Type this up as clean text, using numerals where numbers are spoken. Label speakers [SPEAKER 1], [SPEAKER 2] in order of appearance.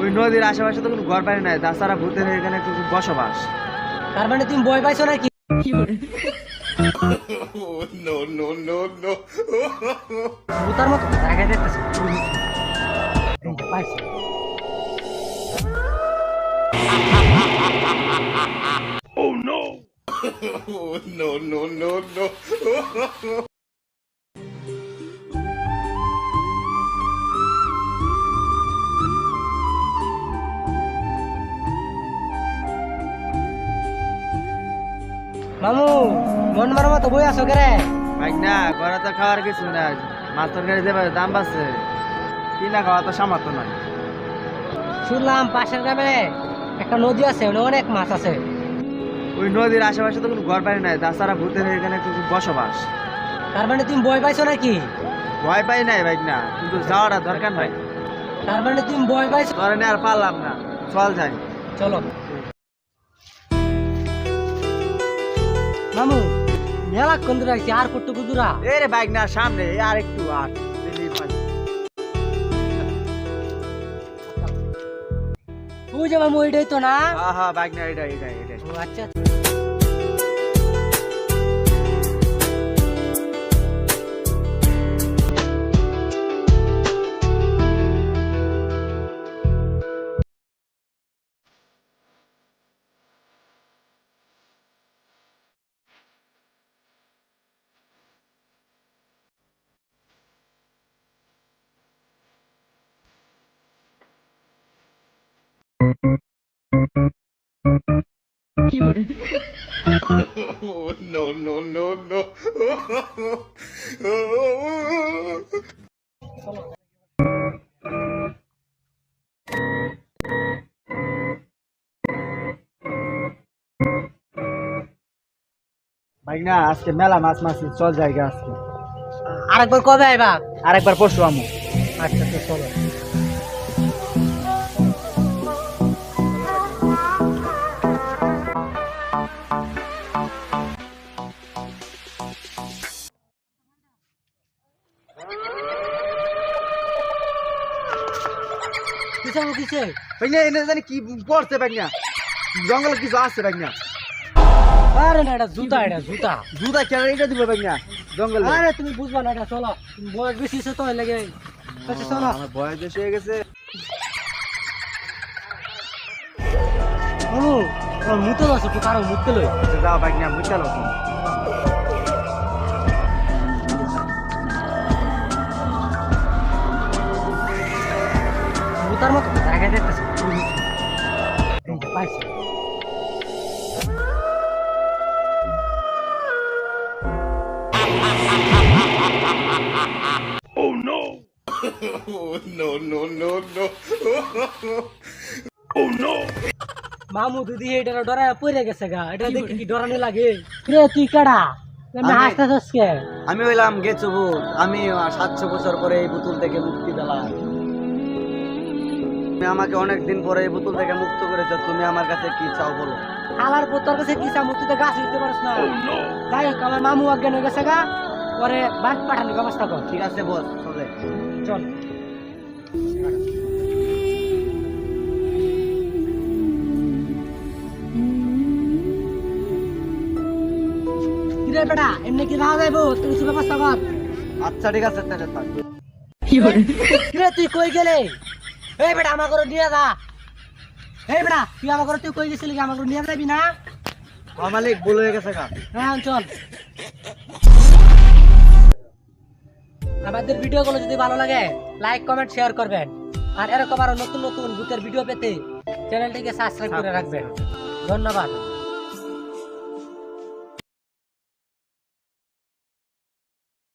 [SPEAKER 1] নদীর আশেপাশে তো কোনো ঘর বাড়ি নাই, তাছাড়া ভূতের এখানে কিছু বসবাস।
[SPEAKER 2] তার মানে তুমি ভয় পাইছো নাকি?
[SPEAKER 3] No, no, no, no.
[SPEAKER 2] ভূতার মতো দেখা যাইতেছে। এই যে পাইছি।
[SPEAKER 3] Oh, no, no, no, no.
[SPEAKER 2] মামু মন মারার মতো বই আছো কেরে?
[SPEAKER 1] ভাই না, ঘরে তো খাওয়ার কিছু না, মাছ তরকারি দেবে দাম বাড়ছে, কিনা খাওয়া তো সামর্থ্য নয়।
[SPEAKER 2] শুনলাম পাশের গ্রামে একটা নদী আছে, ওখানে অনেক মাছ আছে।
[SPEAKER 1] ওই নদীর আশেপাশে তো কোনো ঘর বাড়ি নাই, তাছাড়া ভূতের এখানে কিছু বসবাস।
[SPEAKER 2] তার মানে তুমি ভয় পাইছো নাকি?
[SPEAKER 1] ভয় পাই নাই ভাই না, কিন্তু যাওয়াটা দরকার নাই।
[SPEAKER 2] তার মানে তুমি ভয় পাইছো?
[SPEAKER 1] তোর আর পারলাম না, চল যাই।
[SPEAKER 2] চলো মামু, মেলা কোন দূর আইছি, আর কতটুকু দূরা?
[SPEAKER 1] এ রে বাইক না, সামনে আর একটু আর
[SPEAKER 2] ওই যে মামু, ওইটাই তো না?
[SPEAKER 1] হ্যাঁ হ্যাঁ বাইক না, এটাই এটাই এটাই।
[SPEAKER 2] ও আচ্ছা।
[SPEAKER 3] Oh, no, no, no, no.
[SPEAKER 1] Bike না, আজকে মেলা মাছ মাছি, চল জায়গা আজকে।
[SPEAKER 2] আরেকবার কবে আইবা?
[SPEAKER 1] আরেকবার পরশু আমু।
[SPEAKER 2] আচ্ছা তো চলো। কিসে কিসে?
[SPEAKER 1] বাইক না, এনে জানি কি পড়ছে বাইক না, জঙ্গলে কিছু আছে বাইক না।
[SPEAKER 2] আরে না, এটা জুতা, এটা জুতা।
[SPEAKER 1] জুতা কেন এটা দিব বাইক না, জঙ্গলে।
[SPEAKER 2] আরে তুমি বুঝবা না, এটা চলো। তুমি বয়স বেশি আছে তো, লাগে। আচ্ছা চলো।
[SPEAKER 1] আমার বয়স বেশি হয়ে গেছে।
[SPEAKER 2] মামু, আমার মুতে আছে, একটু কারো মুতে লই।
[SPEAKER 1] যাও বাইক না, বুঝতে পারো তুমি।
[SPEAKER 2] মুতার মতো দেখা যাইতেছে। এই যে পাইছি।
[SPEAKER 3] Oh, no. Oh, no, no, no, no. Oh, no.
[SPEAKER 2] মামু দিদি এটা ডরায় পড়ে গেছে গা, এটা দেখি কি ডরানো লাগে? রে তুই কেডা? আমি হাসতেছস কে?
[SPEAKER 1] আমি হইলাম গেছো ভূত, আমি 700 বছর পরে এই বোতল থেকে মুক্তি পেলাম। তুমি আমাকে অনেক দিন পরে এই বোতল থেকে মুক্ত করেছো, তুমি আমার কাছে কি চাও বলো?
[SPEAKER 2] আলার পুত্তর কাছে কি চামু, তুই তো গাছ দিতে পারিস না। যাই হোক, আমার মামু অজ্ঞান হয়ে গেছে গা, পরে বাদ পাঠানোর ব্যবস্থা কর।
[SPEAKER 1] ঠিক আছে বস, চলে।
[SPEAKER 2] চল। কিরে বেটা, এমনি কি রাওয়া যাইবো? তুই কিছু ব্যবস্থা কর।
[SPEAKER 1] আচ্ছা ঠিক আছে, তাহলে থাক।
[SPEAKER 2] কিরে তুই কই গেলে? এই বেটা, আমার ঘরে নিয়ে যা। এই বেটা, তুই আমার ঘরে তুই কই গেছিলি? আমার ঘরে নিয়ে যাবি না?
[SPEAKER 1] মালিক ভুল হয়ে গেছে গা।
[SPEAKER 2] হ্যাঁ চল। আমাদের ভিডিওগুলো যদি ভালো লাগে, লাইক কমেন্ট শেয়ার করবেন, আর এরকম আরো নতুন নতুন ভূতের ভিডিও পেতে চ্যানেলটিকে সাবস্ক্রাইব করে রাখবেন। ধন্যবাদ।